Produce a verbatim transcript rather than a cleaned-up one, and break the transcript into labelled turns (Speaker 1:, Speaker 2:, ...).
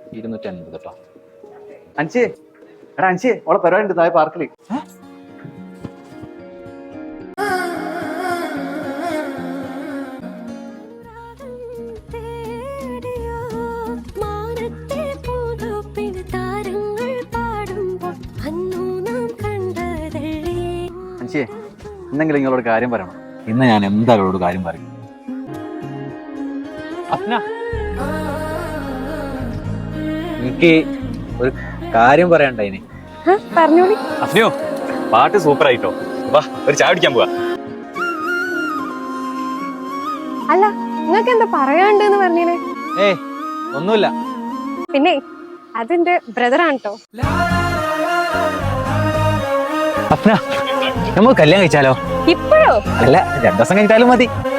Speaker 1: ഇരുന്നൂറ്റി അൻപത് കേട്ടോ.
Speaker 2: അഞ്ചേ എടാ അഞ്ചേ ഓളെ പരിപാടി ഉണ്ട് താഴെ പാർക്കില്. അഞ്ചേ എന്തെങ്കിലും നിങ്ങളോട് കാര്യം പറയണം.
Speaker 1: ഇന്ന് ഞാൻ എന്തായാലും അവളോട് കാര്യം പറയും. അഫ്ന, എനിക്ക് ഒരു കാര്യം പറയണ്ടായിന്.
Speaker 3: പറഞ്ഞോളി.
Speaker 4: അഫ്നയോ, പാട്ട് സൂപ്പർ ആയിട്ടോ. വാ ഒരു ചായ കുടിക്കാൻ പോവാ.
Speaker 3: അല്ല, നിങ്ങൾക്ക് എന്താ പറയാണ്ടെന്ന് പറഞ്ഞേ?
Speaker 1: ഏയ് ഒന്നുമില്ല.
Speaker 3: പിന്നെ അതെന്റെ ബ്രദറാണ് കേട്ടോ.
Speaker 1: അഫ്ന, നമുക്ക് കല്യാണം കഴിച്ചാലോ?
Speaker 3: ഇപ്പോഴോ?
Speaker 1: അല്ല, രണ്ടു ദിവസം കഴിഞ്ഞാലും മതി.